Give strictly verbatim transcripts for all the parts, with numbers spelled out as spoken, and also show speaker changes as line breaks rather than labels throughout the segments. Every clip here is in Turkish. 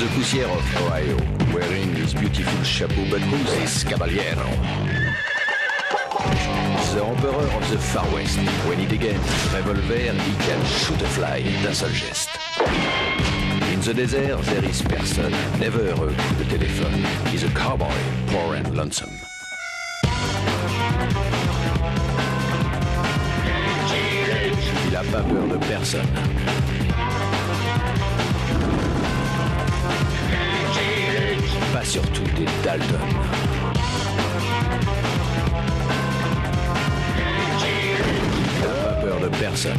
the poussière of Ohio, wearing his beautiful chapeau, but who's this caballero? The emperor of the Far West. When he begins his revolver, he can shoot a fly d'un seul geste. In the desert, there is person, never a coup de téléphone. He's a cowboy, poor and lonesome. Il a pas peur de personne. Pas surtout des Dalton. Il n'a pas peur de personne.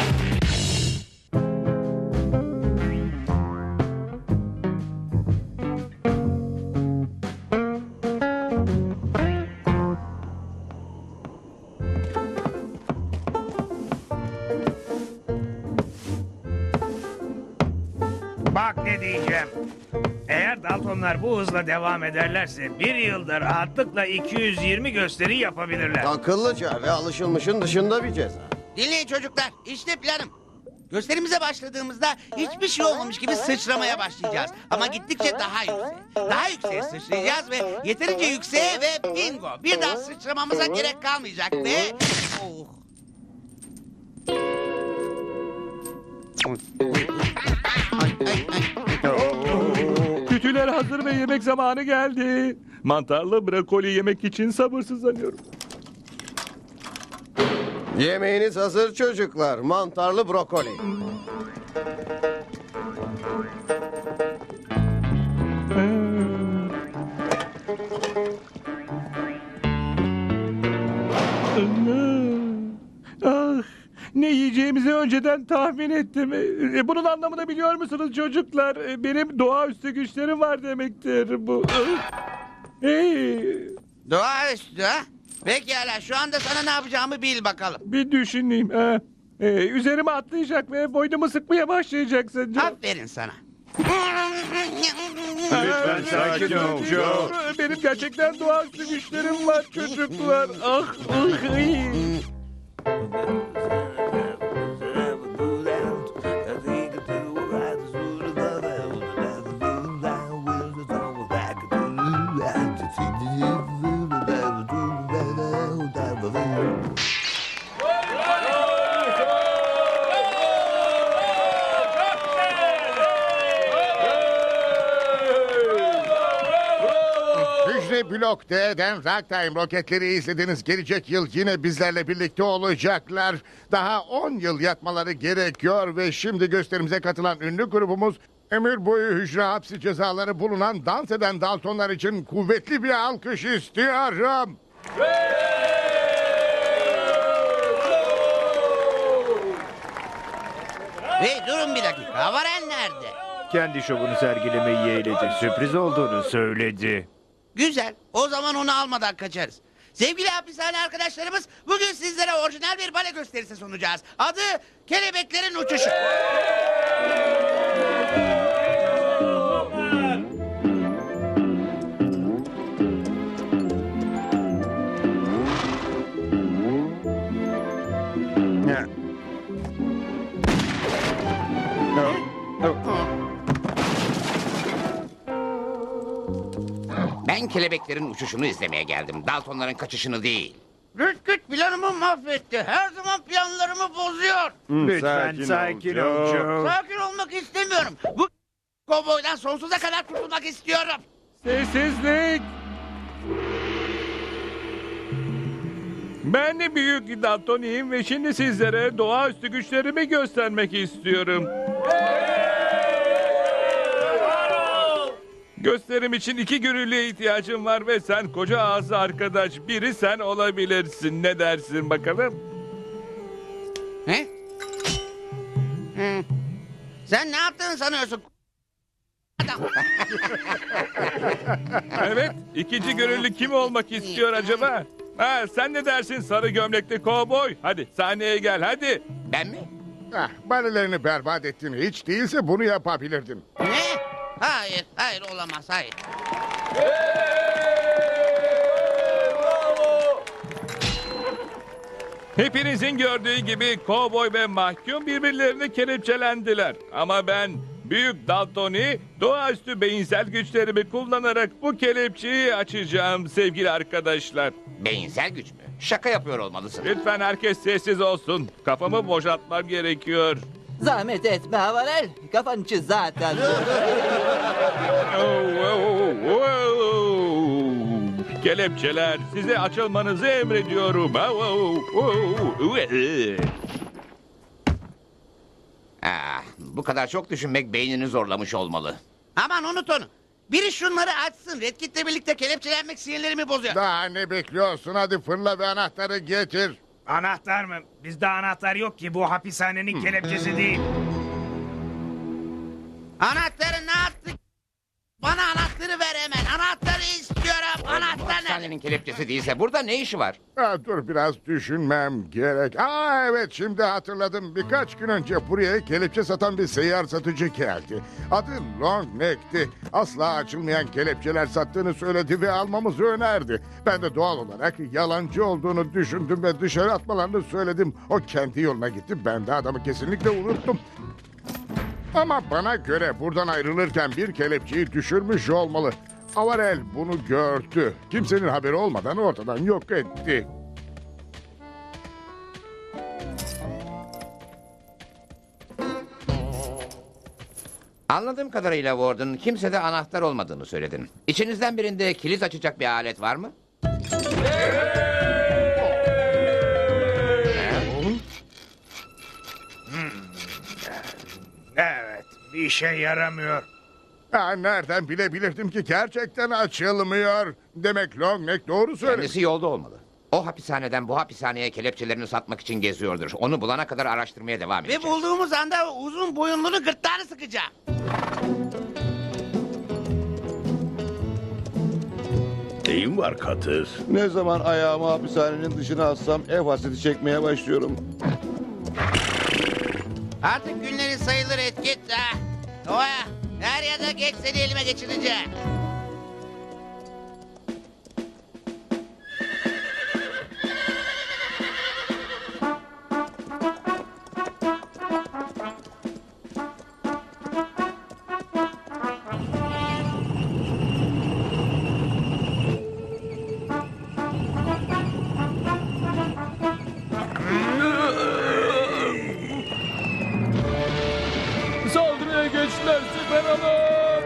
Bak ne diyeceğim. Eğer Daltonlar bu hızla devam ederlerse bir yılda rahatlıkla iki yüz yirmi gösteri yapabilirler.
Akıllıca ve alışılmışın dışında bir ceza.
Dinleyin çocuklar, işte planım. Gösterimize başladığımızda hiçbir şey olmamış gibi sıçramaya başlayacağız. Ama gittikçe daha yüksek. Daha yükseğe sıçrayacağız ve yeterince yükseğe ve bingo. Bir daha sıçramamıza gerek kalmayacak ve... Oh. Ay, ay, ay.
Kütüler hazır ve yemek zamanı geldi. Mantarlı brokoli yemek için sabırsızlanıyorum.
Yemeğiniz hazır çocuklar. Mantarlı brokoli.
Ah, ne yiyeceğimizi önceden tahmin ettim. E, Bunun anlamını biliyor musunuz çocuklar? E, Benim doğaüstü güçlerim var demektir bu. Hey,
Doğaüstü ha? Pekala, şu anda sana ne yapacağımı bil bakalım.
bir düşüneyim. Ha. E, üzerime atlayacak ve boynumu sıkmaya başlayacaksın.
Aferin sana.
Lütfen
sakin ol, Joe.
Benim gerçekten doğaüstü güçlerim var çocuklar. Ah, ah, ay.
Hücre Blok D'den Ragtime roketleri izlediniz. Gelecek yıl yine bizlerle birlikte olacaklar. Daha on yıl yatmaları gerekiyor ve şimdi gösterimize katılan ünlü grubumuz ömür boyu hücre hapsi cezaları bulunan dans eden Daltonlar için kuvvetli bir alkış istiyorum.
Hey, durun bir dakika. Varen nerede?
Kendi şovunu sergilemeyi yeğledi. Sürpriz olduğunu söyledi.
Güzel. O zaman onu almadan kaçarız. Sevgili hapishane arkadaşlarımız, bugün sizlere orijinal bir bale gösterisi sunacağız. Adı Kelebeklerin Uçuşu. Ben kelebeklerin uçuşunu izlemeye geldim. Daltonların kaçışını değil. Rütküt planımı mahvetti. Her zaman planlarımı bozuyor.
Lütfen sakin, ol Joe.
Sakin olmak istemiyorum. Bu kovboydan sonsuza kadar kurtulmak istiyorum.
Sessizlik. Ben de büyük Daltoniyim ve şimdi sizlere doğaüstü güçlerimi göstermek istiyorum. Gösterim için iki gönüllüye ihtiyacım var ve sen koca ağzı arkadaş biri sen olabilirsin. Ne dersin bakalım?
He? Hı. Sen ne yaptığını sanıyorsun? Adam.
Evet, ikinci gönüllü kim olmak istiyor acaba? Ha, sen ne dersin sarı gömlekli kovboy? Hadi sahneye gel hadi.
Ben mi?
Ah, balelerini berbat ettin. Hiç değilse bunu yapabilirdin.
Ne? Hayır, hayır olamaz, hayır.
Hepinizin gördüğü gibi kovboy ve mahkum birbirlerini kelepçelendiler. Ama ben Büyük Daltoni, doğaüstü beyinsel güçlerimi kullanarak bu kelepçeyi açacağım sevgili arkadaşlar.
Beyinsel güç mü? Şaka yapıyor olmalısın.
Lütfen herkes sessiz olsun. Kafamı boşaltmam gerekiyor.
Zahmet etme Havarel. Kafan için zaten.
Oh, oh, oh. Kelepçeler, size açılmanızı emrediyorum. Oh, oh, oh.
Ah, bu kadar çok düşünmek beynini zorlamış olmalı.
Aman unut onu. Biri şunları açsın. Red Kit'le birlikte kelepçelenmek sinirlerimi bozuyor.
Daha ne bekliyorsun? Hadi fırla ve anahtarı getir.
Anahtar mı? Bizde anahtar yok ki. Bu hapishanenin kelepçesi değil.
Anahtarı ne yaptık? Bana anahtarı ver hemen. Anahtarı istiyorum.
Bu
Anahtar nerede?
hapishanenin kelepçesi değilse burada ne işi var?
Ha, dur biraz düşünmem gerek. Aa evet şimdi hatırladım. Birkaç gün önce buraya kelepçe satan bir seyyar satıcı geldi. Adı Long Neck'ti. Asla açılmayan kelepçeler sattığını söyledi ve almamızı önerdi. Ben de doğal olarak yalancı olduğunu düşündüm ve dışarı atmalarını söyledim. O kendi yoluna gitti. Ben de adamı kesinlikle unuttum. Ama bana göre buradan ayrılırken bir kelepçeyi düşürmüş olmalı. Avarel bunu gördü. Kimsenin haberi olmadan ortadan yok etti.
Anladığım kadarıyla Warden, kimsede anahtar olmadığını söyledin. İçinizden birinde kilit açacak bir alet var mı?
Evet, bir işe yaramıyor.
Ha, nereden bilebilirdim ki gerçekten açılmıyor. Demek Longneck doğru söyledi.
Kendisi yolda olmalı. O hapishaneden bu hapishaneye kelepçelerini satmak için geziyordur. Onu bulana kadar araştırmaya devam
Ve
edeceğiz.
bulduğumuz anda o uzun boyunluğunu gırtlağını sıkacağım.
Neyin var Katır?
Ne zaman ayağımı hapishanenin dışına atsam ev hasreti çekmeye başlıyorum.
Artık günleri sayılır etket ha. Oya, her ya da geç seni elime geçireceğim.
Saldırıya geçtiler, siper alın!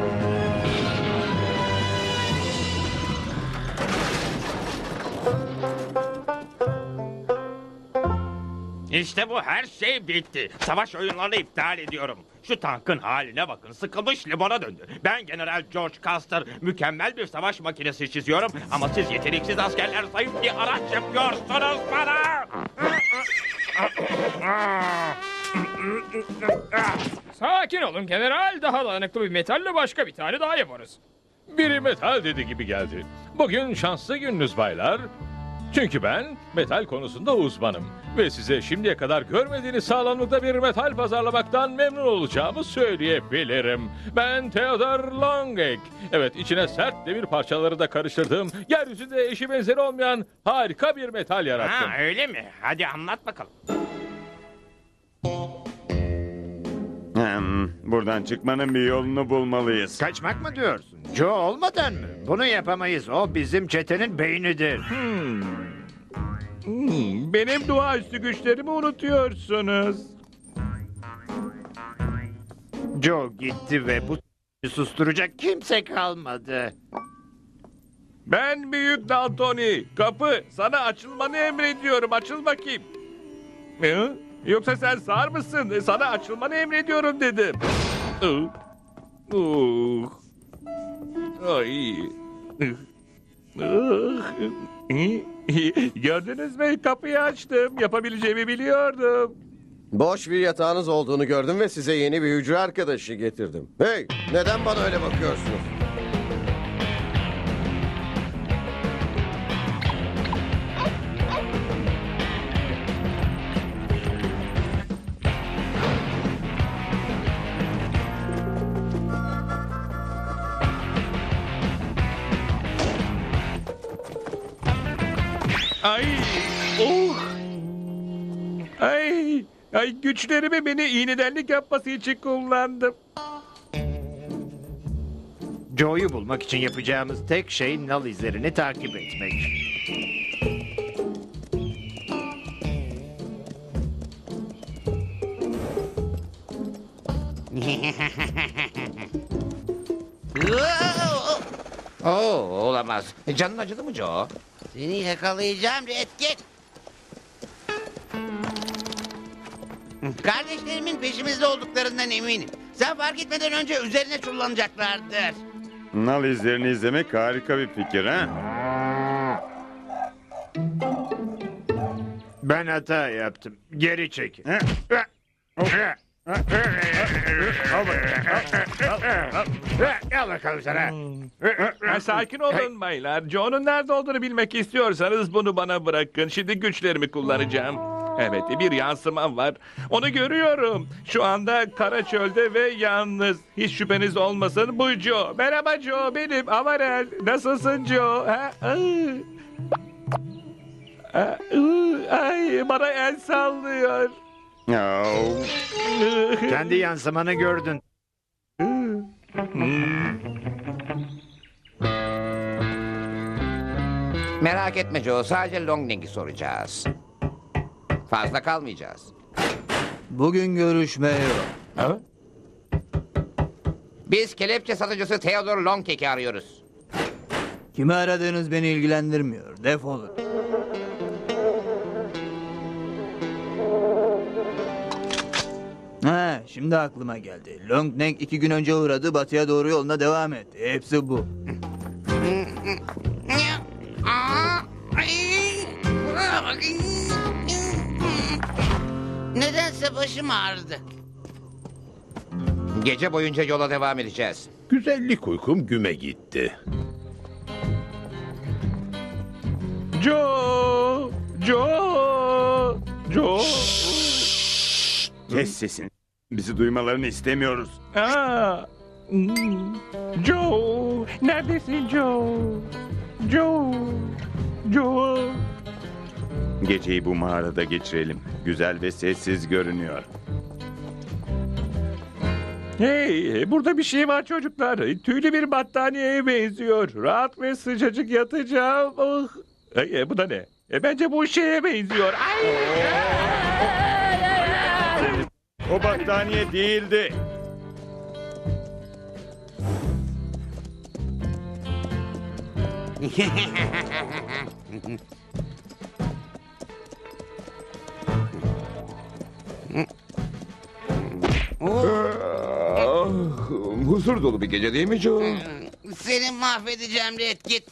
İşte bu, her şey bitti. Savaş oyunlarını iptal ediyorum. Şu tankın haline bakın, sıkılmış limona döndü. Ben General George Custer, mükemmel bir savaş makinesi çiziyorum. Ama siz yeteneksiz askerler zayıf bir araç yapıyorsunuz bana.
Sakin olun general. Daha dayanıklı bir metalle başka bir tane daha yaparız.
Biri metal dedi gibi geldi. Bugün şanslı gününüz baylar. Çünkü ben metal konusunda uzmanım. Ve size şimdiye kadar görmediğiniz sağlamlıkta bir metal pazarlamaktan memnun olacağımı söyleyebilirim. Ben Theodore Longneck. Evet, içine sert demir parçaları da karıştırdığım, yeryüzünde eşi benzeri olmayan harika bir metal yarattım.
Ha, öyle mi? Hadi anlat bakalım.
Hmm, buradan çıkmanın bir yolunu bulmalıyız.
Kaçmak mı diyorsun? Joe olmadan mı? Bunu yapamayız. O bizim çetenin beynidir.
Hmm, benim doğaüstü güçlerimi unutuyorsunuz.
Joe gitti ve bu susturacak kimse kalmadı.
Ben Büyük Daltoni. Kapı, sana açılmanı emrediyorum. Açıl bakayım. Hı? Yoksa sen sağır mısın? Sana açılmanı emrediyorum dedim. Uh. Uh. Ay. Uh. Gördünüz mü? Kapıyı açtım. Yapabileceğimi biliyordum.
Boş bir yatağınız olduğunu gördüm ve size yeni bir hücre arkadaşı getirdim. Hey, neden bana öyle bakıyorsunuz?
Ay. Oh. Ay.
Ay, güçlerimi beni iğnedenlik yapması için kullandım.
Joe'yu bulmak için yapacağımız tek şey nal izlerini takip etmek.
Oo, olamaz. Canın acıdı mı Joe?
Seni yakalayacağım Redkit. Kardeşlerimin peşimizde olduklarından eminim. Sen fark etmeden önce üzerine çullanacaklardır.
Nal izlerini izlemek harika bir fikir ha?
Ben hata yaptım. Geri çekin. Gel bakalım sana.
Ha, sakin olun baylar. Joe'nun nerede olduğunu bilmek istiyorsanız bunu bana bırakın. Şimdi güçlerimi kullanacağım. Evet, bir yansımam var. Onu görüyorum. Şu anda kara çölde ve yalnız. Hiç şüpheniz olmasın, bu Joe. Merhaba Joe, benim Avarel. Nasılsın Joe? Ha? Ay. Ay, bana el sallıyor.
Kendi yansımanı gördün.
Merak etme Joe, sadece Longling'i soracağız. Fazla kalmayacağız.
Bugün görüşme yok.
Ha? Biz kelepçe satıcısı Theodore Longcake'i arıyoruz.
Kimi aradığınız beni ilgilendirmiyor. Defolun. Ha, şimdi aklıma geldi. Longneck iki gün önce uğradı, batıya doğru yoluna devam etti. Hepsi bu.
Nedense başım ağrıdı.
Gece boyunca yola devam edeceğiz.
Güzellik uykum güme gitti.
Joe! Joe! Joe!
Kes sesini. Bizi duymalarını istemiyoruz.
Aa, hmm. Joe! Neredesin Joe? Joe! Joe!
Geceyi bu mağarada geçirelim. Güzel ve sessiz görünüyor.
Hey, burada bir şey var çocuklar. Tüylü bir battaniyeye benziyor. Rahat ve sıcacık yatacağım. Oh. Ay, e, bu da ne? E, bence bu şeye benziyor. Ay.
O battaniye değildi.
Huzur dolu bir gece değil mi Joe?
Seni mahvedeceğim Redkit.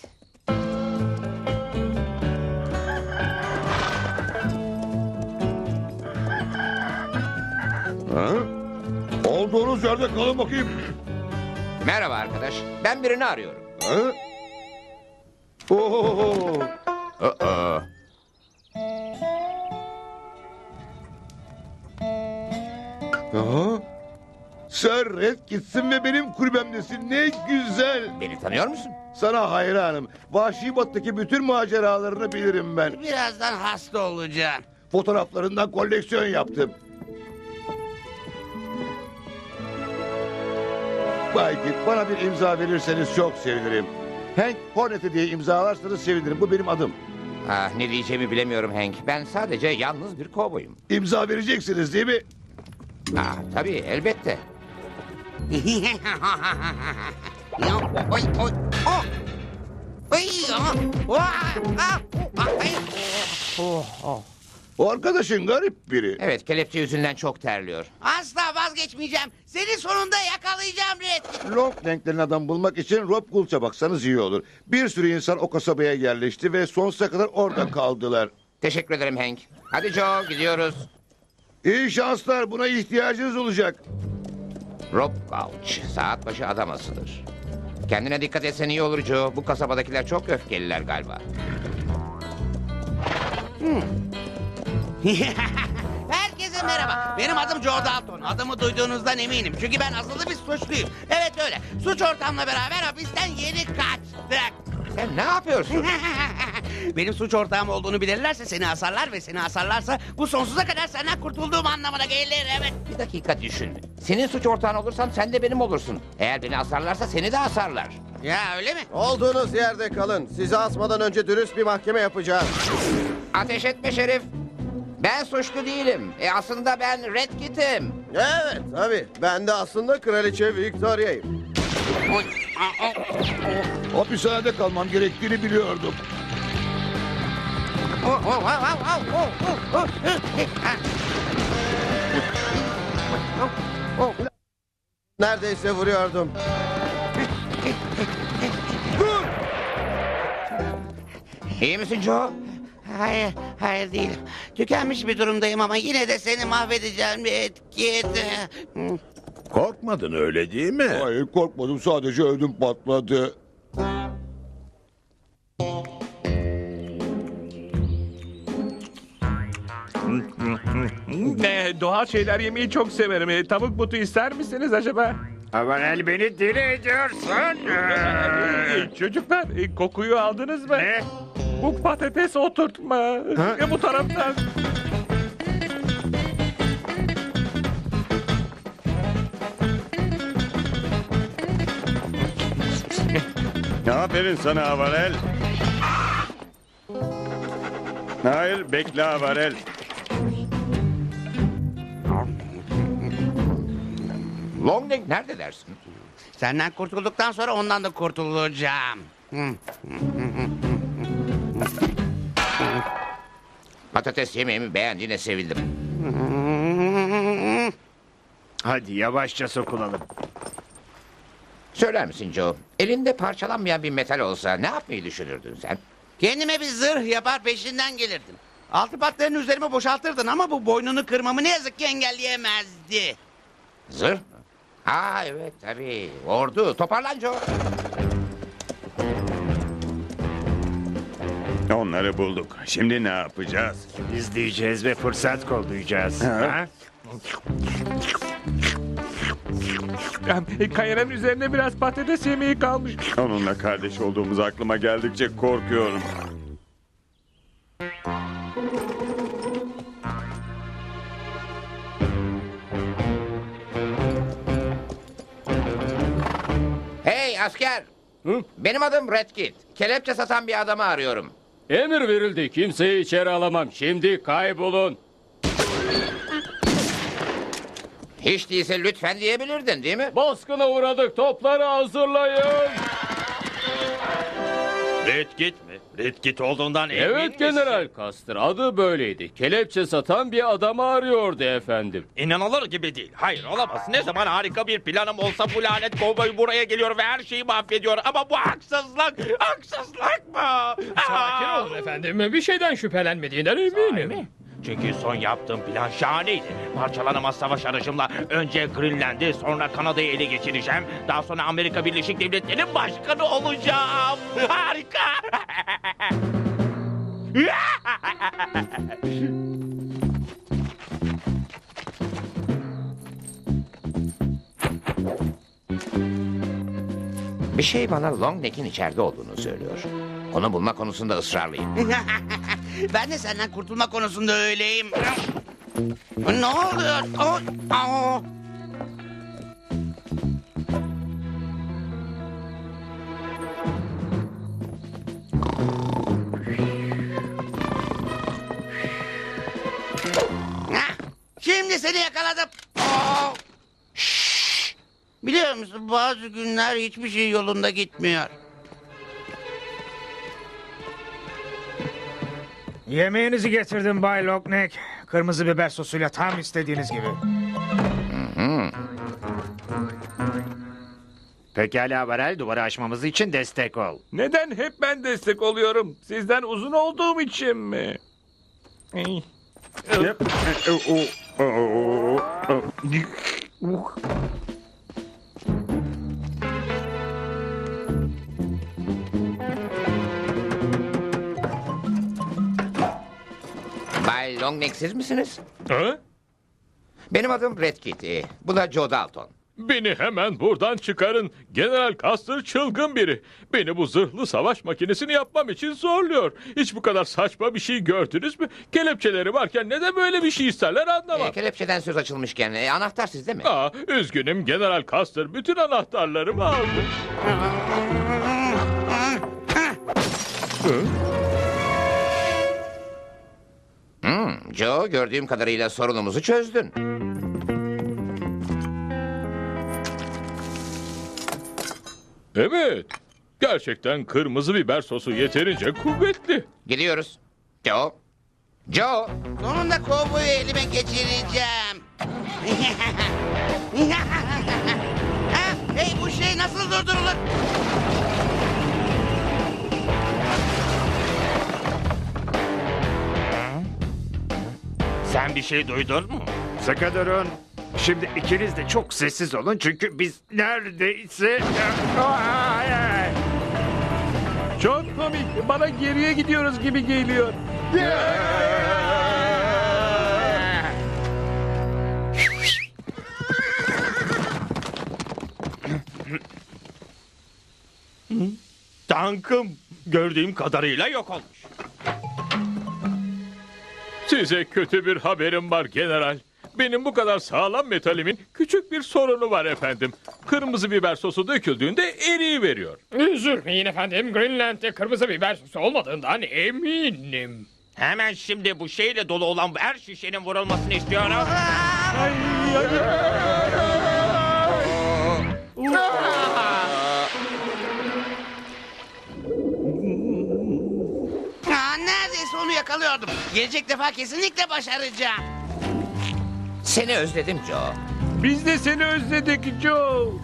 Ha? Olduğunuz yerde kalın bakayım.
Merhaba arkadaş. Ben birini arıyorum.
Ha? Oo.
Aa.
Aha. Sen Redkit'sin ve benim kulübemdesin. Ne güzel.
Beni tanıyor musun?
Sana hayranım. Vahşi Batı'daki bütün maceralarını bilirim ben.
Birazdan hasta olacağım.
Fotoğraflarından koleksiyon yaptım. Bay Git, bana bir imza verirseniz çok sevinirim. Hank Hornet'i diye imzalarsanız sevinirim. Bu benim adım.
Ah, ne diyeceğimi bilemiyorum Hank. Ben sadece yalnız bir kovboyum.
İmza vereceksiniz değil mi?
Ah, tabii elbette.
Ya, oy, oy, oh. Oy, ah, ah, ah, ah, ay.
Oh, oh.
O arkadaşın garip biri.
Evet, kelepçe yüzünden çok terliyor.
Asla vazgeçmeyeceğim. Seni sonunda yakalayacağım Redkit.
Longneck'lerin adam bulmak için Rob Gulch'a baksanız iyi olur. Bir sürü insan o kasabaya yerleşti ve sonsuza kadar orada kaldılar.
Teşekkür ederim Hank. Hadi Joe, gidiyoruz.
İyi şanslar, buna ihtiyacınız olacak.
Rob Gauch, saat başı adam asılır. Kendine dikkat etsen iyi olur Joe. Bu kasabadakiler çok öfkeliler galiba.
Hmm. Herkese merhaba. Benim adım Joe Dalton. Adımı duyduğunuzdan eminim. Çünkü ben asıllı bir suçluyum. Evet öyle. Suç ortamla beraber hapisten yeni kaçtık.
Sen ne yapıyorsun?
Benim suç ortağım olduğunu bilirlerse seni asarlar ve seni asarlarsa bu sonsuza kadar senden kurtulduğum anlamına gelir, evet.
Bir dakika düşün. Senin suç ortağın olursam sen de benim olursun. Eğer beni asarlarsa seni de asarlar.
Ya öyle mi?
Olduğunuz yerde kalın. Sizi asmadan önce dürüst bir mahkeme yapacağız.
Ateş etme Şerif. Ben suçlu değilim. E aslında ben Red Kit'im.
Evet tabii. Ben de aslında Kraliçe Victoria'yım.
Hapishanede kalmam gerektiğini biliyordum.
Oh, oh, oh, oh, oh, oh, oh, oh.
Neredeyse vuruyordum.
İyi misin Joe?
Hayır, hayır değilim. Tükenmiş bir durumdayım ama yine de seni mahvedeceğim bir etki.
Korkmadın öyle değil mi? Hayır korkmadım, sadece ödüm patladı.
Ne, doğal şeyler yemeyi çok severim. E, tavuk butu ister misiniz acaba?
Avarel beni deli ediyorsun.
E, çocuklar e, kokuyu aldınız mı?
Ne?
Bu patates oturtma. E, bu taraftan.
Aferin sana Avarel. Hayır, bekle Avarel.
Longneck nerede dersin?
Senden kurtulduktan sonra ondan da kurtulacağım.
Patates yemeğimi beğendiğine sevindim.
Hadi yavaşça sokulalım.
Söyler misin Joe? Elinde parçalanmayan bir metal olsa ne yapmayı düşünürdün sen?
Kendime bir zırh yapar peşinden gelirdim. Altı patlarını üzerime boşaltırdın ama bu boynunu kırmamı ne yazık ki engelleyemezdi.
Zırh mı? Aa evet tabii. Ordu. Toparlan Joe.
Onları bulduk. Şimdi ne yapacağız?
İzleyeceğiz ve fırsat kollayacağız. Ha?
E, Kayanın üzerinde biraz patates yemeği kalmış.
Onunla kardeş olduğumuz aklıma geldikçe korkuyorum.
Hey asker. Hı? Benim adım Red Kit. Kelepçe satan bir adamı arıyorum.
Emir verildi. Kimseyi içeri alamam. Şimdi kaybolun.
Hiç değilse lütfen diyebilirdin değil mi?
Baskına uğradık. Topları hazırlayın.
Red Kit mi? Red Kit olduğundan emin
Evet
misin?
General Custer. Adı böyleydi. Kelepçe satan bir adamı arıyordu efendim.
İnanılır gibi değil. Hayır olamaz. Ne zaman harika bir planım olsa bu lanet kovboy buraya geliyor ve her şeyi mahvediyor. Ama bu haksızlık. Haksızlık mı?
Sakin olun efendim. Bir şeyden şüphelenmediğinden eminim.
Çünkü son yaptığım plan şahaneydi. Parçalanamaz savaş aracımla önce Greenland'i, sonra Kanada'yı ele geçireceğim. Daha sonra Amerika Birleşik Devletleri'nin başkanı olacağım. Harika!
Bir şey bana Longneck'in içeride olduğunu söylüyor. Onu bulma konusunda ısrarlıyım.
Ben de senden kurtulma konusunda öyleyim. Ne oluyor? Oh, oh. Hah, şimdi seni yakaladım. Oh. Şşş. Biliyor musun bazı günler hiçbir şey yolunda gitmiyor.
Yemeğinizi getirdim Bay Longneck. Kırmızı biber sosuyla tam istediğiniz gibi.
Pekala Avarel, duvarı aşmamız için destek ol.
Neden hep ben destek oluyorum? Sizden uzun olduğum için mi? Ey.
Bay Longneck siz misiniz?
Ha?
Benim adım Red Kit. e, Bu da Joe Dalton.
Beni hemen buradan çıkarın. General Custer çılgın biri. Beni bu zırhlı savaş makinesini yapmam için zorluyor. Hiç bu kadar saçma bir şey gördünüz mü? Kelepçeleri varken neden böyle bir şey isterler anlamam.
E, kelepçeden söz açılmışken e, anahtar sizde mi?
Aa, üzgünüm General Custer bütün anahtarlarımı aldı. Hı?
Hmm, Joe, gördüğüm kadarıyla sorunumuzu çözdün.
Evet. Gerçekten kırmızı biber sosu yeterince kuvvetli.
Gidiyoruz. Joe. Joe.
Sonunda kovboyu elime geçireceğim. Ha, hey, bu şey nasıl durdurulur?
Sen bir şey duydun mu?
Sıkı durun. Şimdi ikiniz de çok sessiz olun çünkü biz neredeyse... Ay, ay.
Çok komik. Bana geriye gidiyoruz gibi geliyor.
Tankım gördüğüm kadarıyla yok olmuş.
Size kötü bir haberim var general. Benim bu kadar sağlam metalimin küçük bir sorunu var efendim. Kırmızı biber sosu döküldüğünde eriyiveriyor.
Üzülmeyin efendim. Greenland'de kırmızı biber sosu olmadığından eminim.
Hemen şimdi bu şeyle dolu olan her şişenin vurulmasını istiyorum.
Aa, neredeyse onu yakalıyordum. Gelecek defa kesinlikle başaracağım.
Seni özledim Joe.
Biz de seni özledik Joe.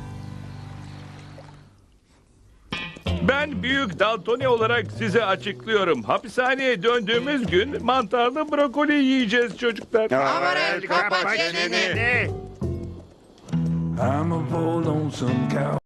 Ben büyük Daltoni olarak size açıklıyorum. Hapishaneye döndüğümüz gün mantarlı brokoli yiyeceğiz çocuklar.
Amarel, kapat çeneni.
I'm a bold lonesome cow.